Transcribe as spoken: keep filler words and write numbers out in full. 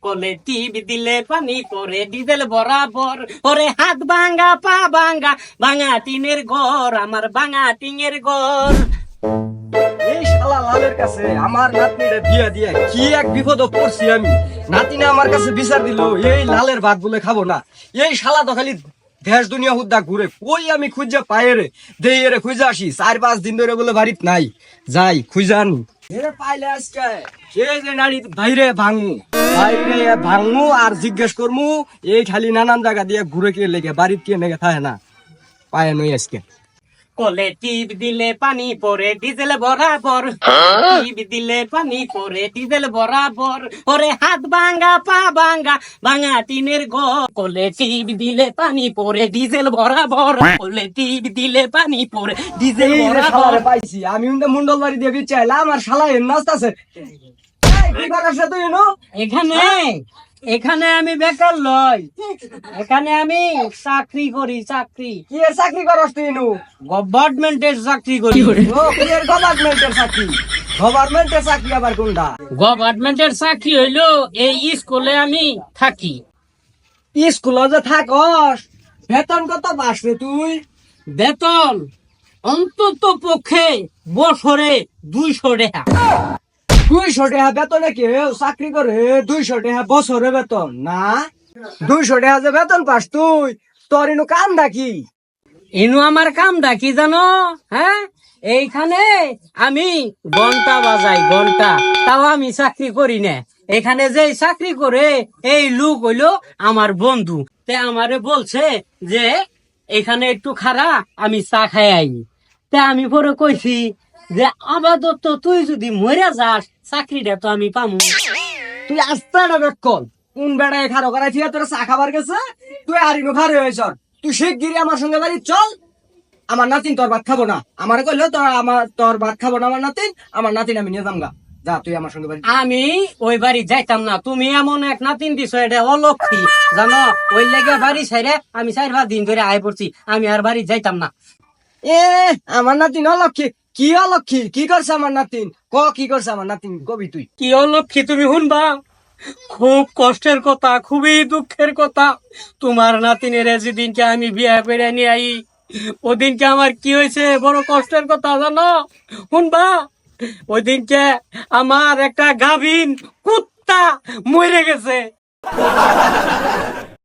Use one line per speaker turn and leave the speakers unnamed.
কোলে টিভি দিলে পানি পরে ডিজেল বরাবর ওরে হাত ভাঙা পা ভাঙা ভাঙা টিনের ঘর আমার ভাঙা টিনের ঘর।
এই শালা লালের কাছে আমার নাতনিরে বিয়া দিয়ে কি এক বিপদ পড়ছি আমি। নাতিনা আমার কাছে বিচার দিল এই লালের ভাত বলে খাবো না। এই শালা তো খালি দেশ দুনিয়া হুদ্দা ঘুরে, কই আমি খুঁজে পাই রে দেই রে খুঁজে আসি। চার পাঁচ দিন ধরে বলে বাড়িত নাই, যাই খুঁজে আনি এরে পাইলে আজকে এই যে নারী বাইরে ভাঙু বাইরে ভাঙু আর জিজ্ঞেস করমু এই খালি নানান জায়গা দিয়ে ঘুরে কে লেগে বাড়িত কে লেগে থাকে না পায় নই আজকে।
কোলে টিপ দিলে পানি পরে ডিজেল বরাবর টিপ দিলে পানি পরে ডিজেল বরাবর ওরে হাত ভাঙা পা ভাঙা ভাঙা টিনের ঘর। কোলে টিপ দিলে পানি পরে ডিজেল বরাবর কোলে টিপ দিলে পানি পরে ডিজেল
এই রে
বরাবর।
শালারে পাইছি আমি কিন্তু মুন্ডল বাড়ি দিয়ে বিচাইলাম আমার শালা এর নাচতাছে। এই কি করাস রে তুই এনো?
এখানে এখানে আমি বেকার লই, এখানে আমি চাকরি করি চাকরি
কি এর চাকরি করস তুই এনো?
গভর্নমেন্টের চাকরি করি।
ও কি এর গভর্নমেন্টের চাকরি? গভর্নমেন্টের চাকরি আবার কোনটা?
গভর্নমেন্টের চাকরি হইলো এই স্কুলে আমি থাকি।
স্কুলে যে থাকস বেতন কত পাস রে তুই?
বেতন অন্তত পক্ষে বছরে দুইশো টাকা।
দুইশো টাকা বেতনে কেউ চাকরি করে? দুইশো টাকা বছরে বেতন না? দুইশো টাকা যে বেতন পাস তুই, তোর এনু কাম ডাকি?
ইনু আমার কামটা কি জানো? হ্যাঁ, এইখানে আমি ঘন্টা বাজাই ঘন্টা, তাও আমি চাকরি করি না। এখানে যে চাকরি করে এই লোক হইলো আমার বন্ধু, তে আমারে বলছে যে এখানে একটু খারা আমি চা খাই আই। তে আমি পরে কইছি যে আপাতত তুই যদি মরে যাস চাকরিটা তো আমি পামু।
তুই আসতে না বেকল কোন বেড়ায় খারো করাই ঠিক তোর চা খাবার গেছে, তুই আর ইনু খারে হয়েছ। তুই শিগগিরি আমার সঙ্গে বাড়ি চল, আমার নাতিন তোর ভাত খাবো না। আমার কইলো তোর আমার তোর ভাত খাবো না আমার নাতিন, আমার নাতিন আমি নিয়ে যামগা। যা তুই আমার সঙ্গে বাড়ি।
আমি ওই বাড়ি যাইতাম না, তুমি এমন এক নাতিন দিছো এটা অলক্ষী জানো, ওই লেগে বাড়ি ছাইরে আমি চার পাঁচ দিন ধরে আয় পড়ছি, আমি আর বাড়ি যাইতাম না।
এ আমার নাতিন অলক্ষী? কি অলক্ষী? কি করছে আমার নাতিন? ক কি করছে আমার নাতিন কবি তুই?
কি অলক্ষী তুমি শুনবা? খুব কষ্টের কথা, খুবই দুঃখের কথা। তোমার নাতিনের যেদিনকে আমি বিয়ে করে নিয়ে আই ওদিনকে আমার কি হয়েছে বড় কষ্টের কথা জানো? শুনবা? ওই দিনকে আমার একটা গাভীন কুত্তা মরে গেছে।